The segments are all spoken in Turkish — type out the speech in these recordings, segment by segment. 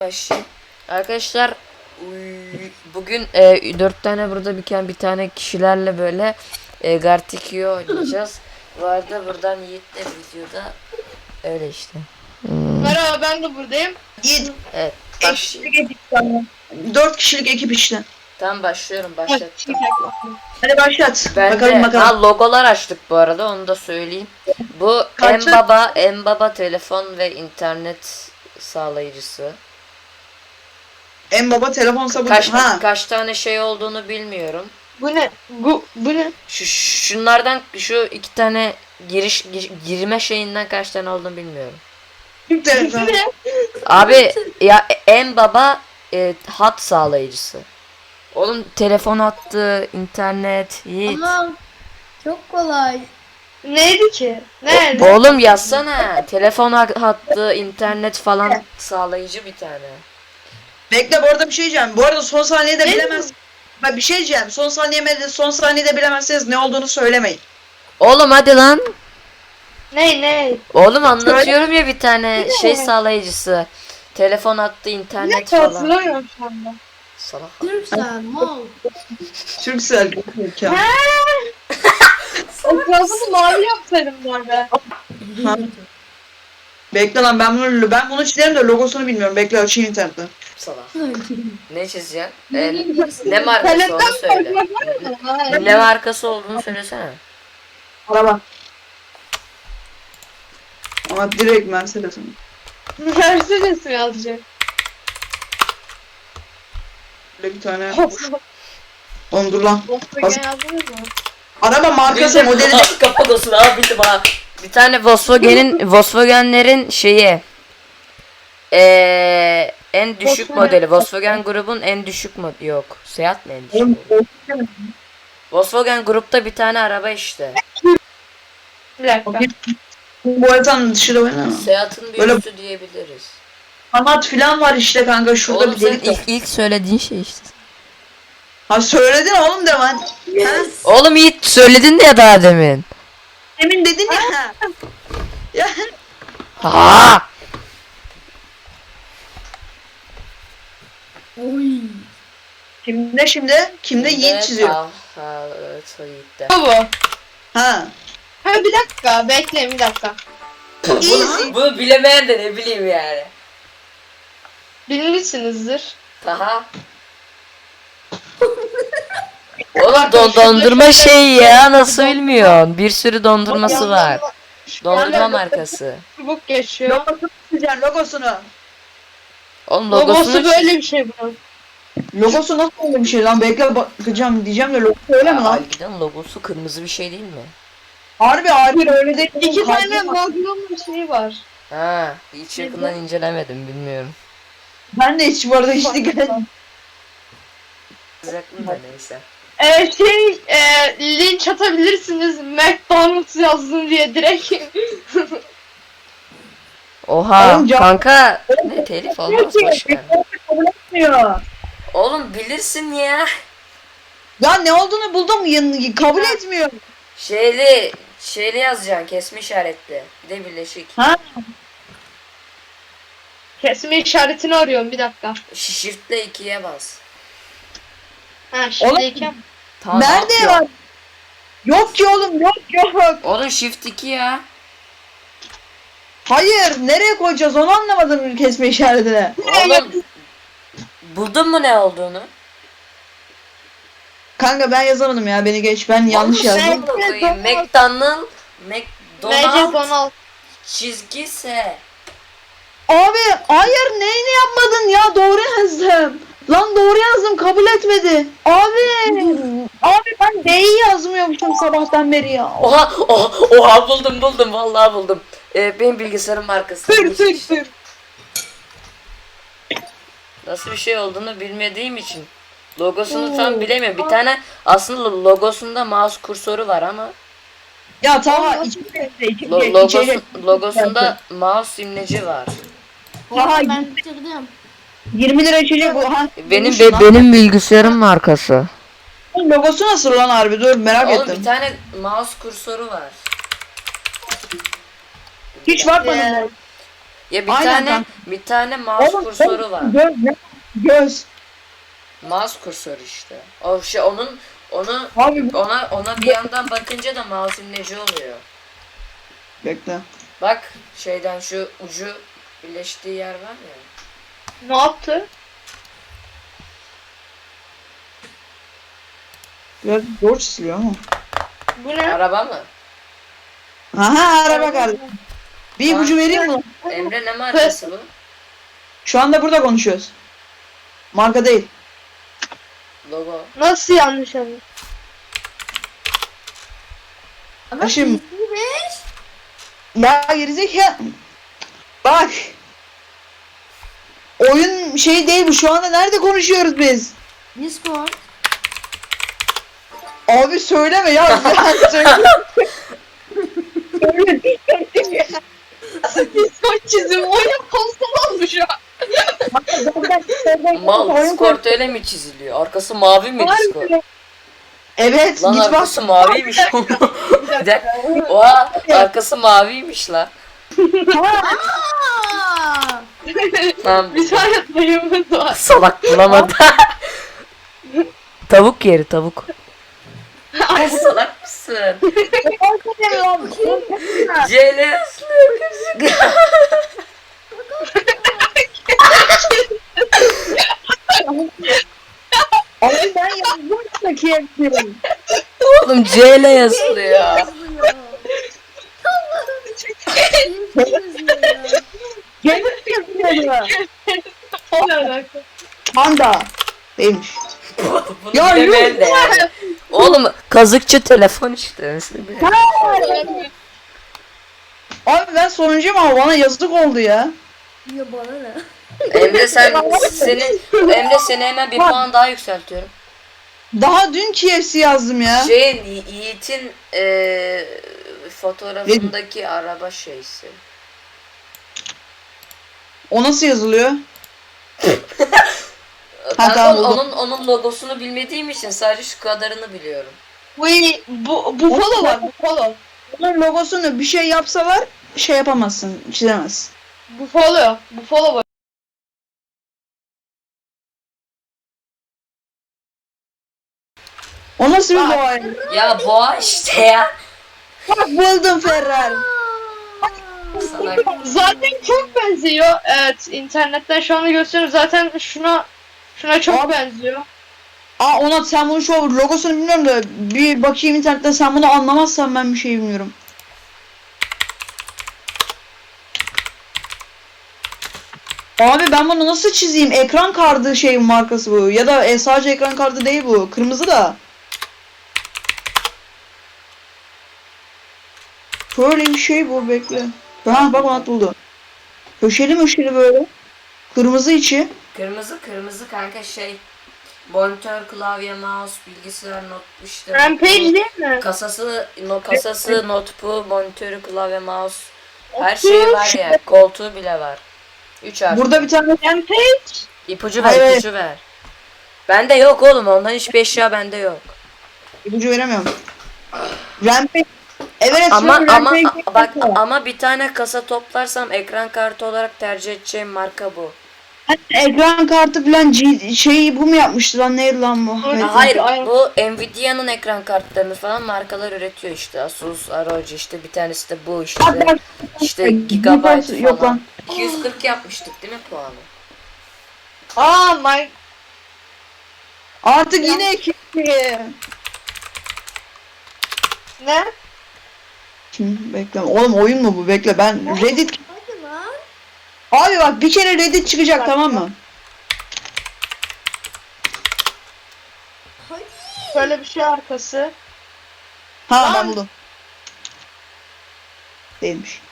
Başlayayım. Arkadaşlar bugün 4 tane burada bir tane kişilerle böyle Gartic.io oynayacağız. Bu arada buradan Yiğit de videoda öyle işte. Merhaba, ben de buradayım. Yiğit, Evet. eşlik ekip tamam. 4 kişilik ekip işte. Tam başlıyorum, başlattım. Hadi başlat. Ben bakalım de bakalım. logolar açtık bu arada, onu da söyleyeyim. Bu Kaçı? en baba telefon ve internet sağlayıcısı. En baba telefon sabun. Kaç tane şey olduğunu bilmiyorum. Bu ne? Bu ne? Şunlardan şu iki tane girme şeyinden kaç tane olduğunu bilmiyorum. Türk telefon. Ne? Abi ya en baba hat sağlayıcısı. Oğlum telefon hattı, internet, Yiğit. Ama çok kolay. Neydi ki? Nerede? Oğlum yazsana. Telefon hattı, internet falan sağlayıcı bir tane. Bekle, bu arada bir şey diyeceğim. Bu arada son saniyede Ne? bilemez. Ben bir şey diyeceğim. Son saniyede bilemezseniz ne olduğunu söylemeyin. Oğlum hadi lan. Ne? Oğlum anlatıyorum ya, bir tane şey sağlayıcısı. Telefon hattı, internet falan. Hatırlamıyorum şu anda. Salak. Türksen, Mol. Türksel. Ya. Etrafını mavi yapsaydım bu arada. Ha. Bekle lan, ben bunu çizerim de logosunu bilmiyorum. Bekle, açayım internette. Salak. Ne çizeceksin? Ne markası onu Paletten söyle. koymak. Ne markası olduğunu söylesene. Araba. Ama direkt Mercedes'in. Mercedes mi yazacak? Böyle bir tane. Oğlum dur lan. Volkswagen yazdınız mı? Araba markası modeli. Kapadosunu abi, bildim ha. Bir tane Volkswagen'lerin şeyi. En düşük Volkswagen. modeli. Volkswagen grubun en düşük modeli. Yok. Seat mi en düşük modeli? Volkswagen grupta bir tane araba işte. Bir dakika. Bu haritanın dışı da var ama. Seat'ın bir Böyle- üstü diyebiliriz. Kanat filan var işte kanka, şurada Oğlum bir senin delik var. ilk söylediğin şey işte. Ha söyledin oğlum de lan. Ha? Oğlum Yiğit söyledin de ya daha demin. Demin dedin ya. Ya. Ha! Oy. Kimde şimdi? Kimde Yiğit çiziyor. Evet, Yiğit'te. Bu. Ha. Ha, bir dakika, bekleyin bir dakika. Bunu bilemeyen de ne bileyim yani. Bilmişsinizdir. Aha. Oğlum dondurma şey ya, nasıl bilmiyorsun? Bir sürü dondurması var. Dondurma markası. Çubuk geçiyor. Logosunu çizeceksin, logosunu. Oğlum Logosu logosunu böyle bir şey bunun. Logosu nasıl öyle bir şey lan? Bekle bakacağım diyeceğim de logosu öyle mi lan? Algiden logosu kırmızı bir şey değil mi? Harbi öyle değil. İki tane Magnum şeyi var. Ha, hiç yakından incelemedim, bilmiyorum. Ben de hiç bu arada hiç dikkat etmedim. Sıcaklığım da neyse. Linç atabilirsiniz. McDonald's yazdım diye direkt. Oha Oğlum, kanka, ne telif olmaz, boşver. Kabul etmiyor. Oğlum bilirsin ya. Ya ne olduğunu buldum, kabul etmiyor. Şeyli yazacaksın, kesme işaretli. Bir de birleşik. Ha? Kesme işaretini arıyorum, bir dakika. Shift'le 2'ye bas. Ha, şimdiyken. Tamam, Nerede yok. var? Yok ki oğlum, yok. Oğlum shift 2 ya. Hayır, nereye koyacağız onu anlamadım kesme işaretine. Oğlum buldun mu ne olduğunu? Kanka ben yazamadım ya, beni geç, ben yanlış Oğlum, yazdım. sen koyayım. McDonald Donald. çizgi S. Abi hayır, neyini yapmadın ya, doğru yazdım. Lan doğru yazdım, kabul etmedi. Abi ben D'yi yazmıyormuşum sabahtan beri ya. Oha buldum vallahi buldum. Benim bilgisayarın markası. Tır. Nasıl bir şey olduğunu bilmediğim için logosunu tam bilemiyorum. Bir tane aslında logosunda mouse kursörü var ama Ya tamam, logosunda mouse imleci var. Aha, Ben bitirdim. 20 lira içecek bu. Ha, Benim bilgisayarın markası. logosu nasıl lan harbi, dur merak Oğlum ettim. bir tane mouse kursörü var. Hiç bakmadım. Ya bir Aynen tane kanka. bir tane mouse Oğlum, kursörü var. Göz. Göz. Mouse kursörü işte. O şey onu Abi ona bir yandan bakınca da mouse'un neci oluyor. bekle. Bak şeyden şu ucu birleştiği yer var ya. Ne yaptı? Biraz zor çiziliyor ama. Bu ne? Araba mı? Aha araba geldi. Bir ipucu vereyim mi? Emre ne markası bu? Şu anda burada konuşuyoruz. Marka değil. Logo. Nasıl yanlış anladın? Ama Şimdi- PS5. Ya gerizekalı. Bak. Oyun şey değil bu. Şu anda nerede konuşuyoruz biz? Discord. Abi söyleme ya. Ya söyle. Discord çizim oyun konsol olmuş ya. Mal Discord öyle mi çiziliyor? Arkası mavi mi Discord? Evet Lan git bak. arkası maviymiş. Bir dakika. Oha arkası maviymiş lan. Aa! Tamam. Bir tane dayımız var. Salak bulamadı. Tavuk yeri tavuk. Ay salak mısın? CL ıslıyor. Abi ben yazdım da KFC. Oğlum CL yazılıyor. Yazılıyor. Yazılıyor. Gelin yazıyor. Ne alaka? Panda. Değilmiş. Bunu Ya bilemeyen de yani. Oğlum kazıkçı telefon işte. Abi ben sonuncuyum ama bana yazık oldu ya. Ya bana ne? Emre Emre seni hemen bir puan daha yükseltiyorum. Daha dün KFC yazdım ya. Yiğit'in fotoğrafındaki araba şeysi. O nasıl yazılıyor? Ben tamam, buldum. onun logosunu bilmediğim için sadece şu kadarını biliyorum. Bu follow var, bu follow. Onun logosunu bir şey yapsalar şey yapamazsın, çizemezsin. Bu follow var. O nasıl bir boğa? Ya boğa işte ya. Bak buldum Ferrari. Sana Zaten çok benziyor. Evet, internetten şu anda gösteriyorum. Zaten şuna çok benziyor. Aa Onat sen bunu şu logosunu bilmiyorum da bir bakayım internetten, sen bunu anlamazsan ben bir şey bilmiyorum. Abi ben bunu nasıl çizeyim? Ekran kartı şeyin markası bu. Ya da sadece ekran kartı değil bu. Kırmızı da. Böyle bir şey bu, bekle. Ha bak Onat buldu. Köşeli möşeli böyle. Kırmızı içi. kırmızı kanka şey. Monitör, klavye, mouse, bilgisayar, not işte. Rampage değil mi? Kasası, notebook, monitörü, klavye, mouse. Her şey var ya. Koltuğu bile var. 3 artı. Burada bir tane Rampage. İpucu ver, Hayır. ipucu ver. Bende yok oğlum. Ondan hiçbir eşya bende yok. ipucu veremiyorum. Rampage. Evet Ama Rampage. bak ama bir tane kasa toplarsam ekran kartı olarak tercih edeceğim marka bu. Ekran kartı falan şeyi bu mu yapmıştı lan, neydi lan bu? Hayır. Hayır, Aynen. bu Nvidia'nın ekran kartlarını falan markalar üretiyor işte. Asus, ROG işte bir tanesi de bu işte. İşte gigabyte Yok falan. lan. 240 yapmıştık değil mi puanı? My Artık yine ekipti. ne? Şimdi bekle. Oğlum oyun mu bu? Bekle ben Reddit. Hadi lan. Abi bak bir kere Reddit çıkacak, tamam mı? Hadi. Şöyle bir şey arkası. Ha ben Lan. buldum. Değilmiş.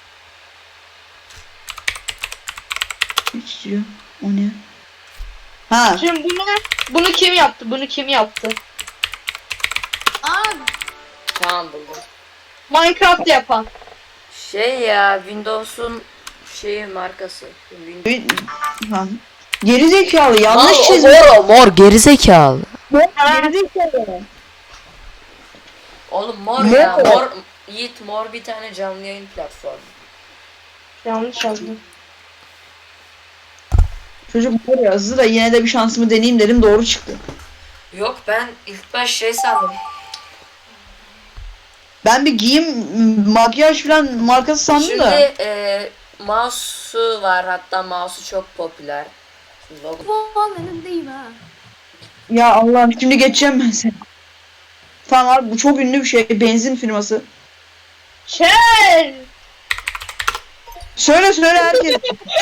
Ne çiziyor? O ne? Ha. Şimdi bunu kim yaptı? Bunu kim yaptı? Abi. Tamam buldum. Minecraft yapan. Şey ya Windows'un şeyi markası. Ha. Geri zekalı yanlış Mal, çizmiş. mor gerizekalı. Geri zekalı. Oğlum mor Ne ya o? mor. Yiğit mor bir tane canlı yayın platformu. Yanlış yazdım. Çocuk var ya hızlı da yine de bir şansımı deneyeyim dedim, doğru çıktı. Yok, ben ilk baş şey sandım. Ben bir giyim, makyaj falan markası sandım Şimdi da. mouse'u var, hatta mouse'u çok popüler. Logo. Puan önündeyim ha. Ya Allah'ım, şimdi geçeceğim ben seni. Tamam abi, bu çok ünlü bir şey, benzin firması. Shell. Söyle herkes.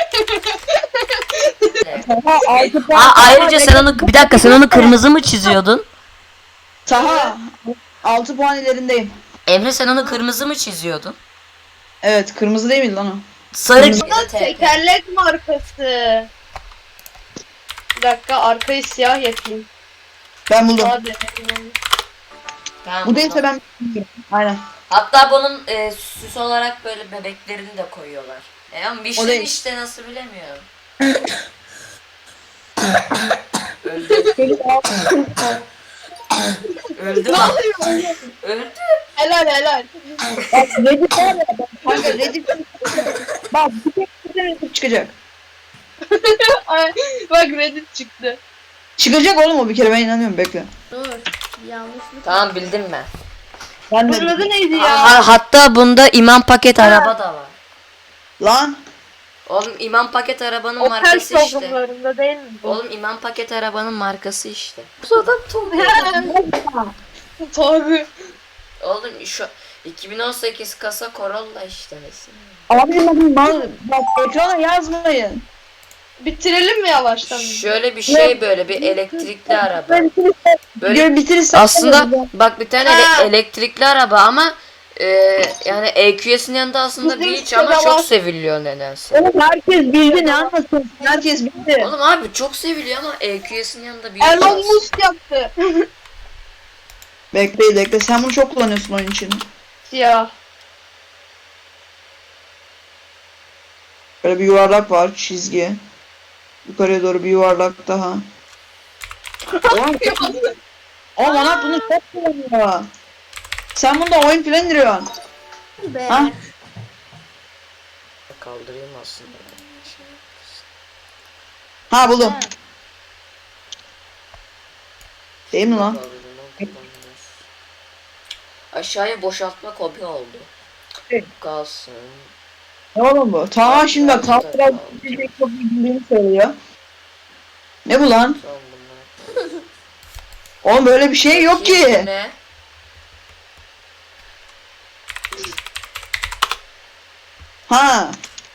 Taha, 6 puan. Aa, ayrıca sen onu, bir dakika, sen onu kırmızı mı çiziyordun? Taha 6 puan ilerindeyim. Emre, sen onu kırmızı mı çiziyordun? Evet, kırmızı değil miydi lan o? Sarı. Bu da tekerlek markası. Bir dakika, arkayı siyah yapayım. Ben buldum. Hadi. Tamam, Bu değilse ben aynen. Hatta bunun süs olarak böyle bebeklerini de koyuyorlar. Ama bir O şey değil. işte, nasıl bilemiyorum. Öldü lan. Öldü. Helal. Bak Reddit var ya, bak kanka Reddit. Bak bir tek Reddit çıkacak. Ay, bak Reddit çıktı. Çıkacak oğlum o, bir kere ben inanıyorum, bekle. Dur. Yanlışlık. Tamam, bildim ben. Ben Bunun adı de neydi ya? Hatta bunda imam paket araba da var. lan Oğlum, imam paket arabanın Opel markası işte. programlarında değil mi bu? Oğlum, imam paket arabanın markası işte. Bu adam Tabii. Oğlum şu 2018 kasa Corolla işte mesela. abi bak ekrana yazmayın. Bitirelim mi yavaştan? Şöyle bir şey, böyle bir elektrikli araba. Böyle Bitirirsen aslında bak, bir tane Ha. elektrikli araba ama yani EQS'in yanında aslında Bizim bir hiç, ama sitede çok var. seviliyor nedense. oğlum herkes bildi, ne anlasın? Herkes bildi. Oğlum abi, çok seviliyor ama EQS'in yanında bir hiç Elon aslında. Musk yaptı. Bekle sen bunu çok kullanıyorsun oyun için. Siyah. Böyle bir yuvarlak var, çizgi. Yukarıya doğru bir yuvarlak daha. Oğlum Onat bunu çok kullanıyor. Sen bunda oyun falan indiriyorsun. Be. Ha? Kaldırayım aslında. Ha buldum. Değil mi lan? Aşağıya boşaltma kobi oldu. Evet. Kalsın. Ne oğlum bu? Tamam şimdi bak, tam biraz bir şey çok bildiğini söylüyor. Ne bu lan? Son bunlar. Oğlum böyle bir şey yok ki. Ne? Ha.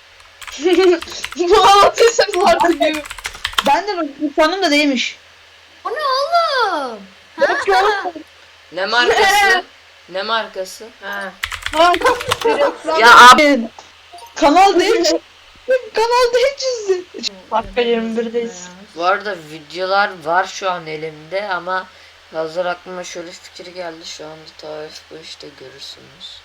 Bu anlatıyorsun artık gibi. Ben de sandım da değilmiş. O ne oğlum? Yok ki oğlum. Ne markası? Ne markası? Ha. Reklam. Ya abi, Kanal değil. Kanal değil çizdi. Dakika 21'deyiz. bu arada videolar var şu an elimde ama hazır aklıma şöyle fikir geldi, şu anda tarif bu işte, görürsünüz.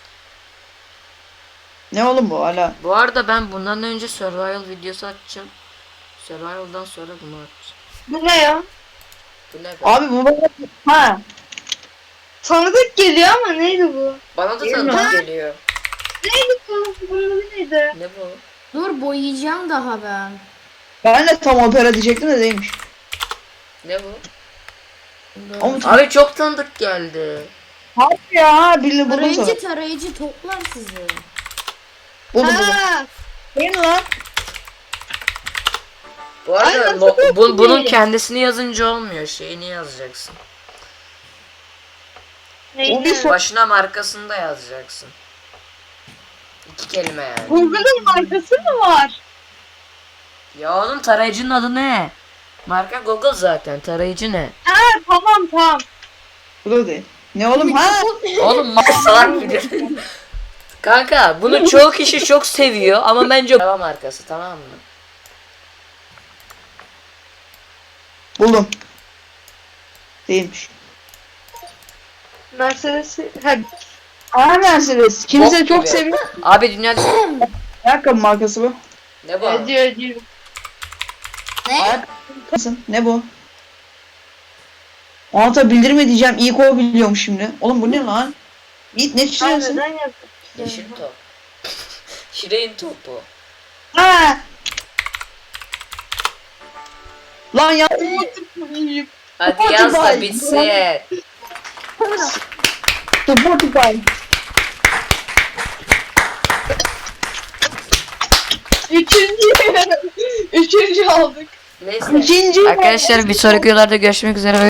Ne oğlum bu hala? Bu arada ben bundan önce survival videosu açacağım. Survival'dan sonra bunu atacağım. Bu ne ya? Bu ne be? Abi bu bana... Ha. Tanıdık geliyor ama neydi bu? Bana da Değil mi? tanıdık geliyor. Neydi bu? Bunun adı neydi? Ne bu? Dur boyayacağım daha ben. Ben de tam opera diyecektim de değilmiş. Ne bu? Dur. Ama Abi çok tanıdık geldi. Abi ya, buldum sana. Tarayıcı toplar sizi. Buldum. Ha, Değil mi lan? Bu arada Ay, nasıl bunun değil? kendisini yazınca olmuyor. Şeyini yazacaksın. O bir neydi? sor- Başına markasını da yazacaksın. 2 kelime yani. Google'ın markası mı var? Ya oğlum, tarayıcının adı ne? Marka Google zaten. Tarayıcı ne? Ha, tamam. Bu da değil. Ne oğlum ha? Oğlum salak gibi. Kanka, bunu çoğu kişi çok seviyor ama bence araba markası, tamam mı? Buldum. Değilmiş. Mercedes. Ha, Aa Mercedes. Kimse Bok çok gibi. seviyor. Abi dünyada Ayakkabı markası bu. ne bu? ediyor. Ne? Ayakkabı. Ne bu? Anata bildirme diyeceğim. İyi o biliyormuş şimdi. Oğlum bu ne lan? Yiğit ne Ay, çiziyorsun? neden yaptın? Yeşil top. Şirin topu. Ha. Lan ya. Hadi yaz da bitsin. Spotify. Üçüncü aldık. Neyse. Üçüncü. Arkadaşlar bir sonraki videolarda görüşmek üzere.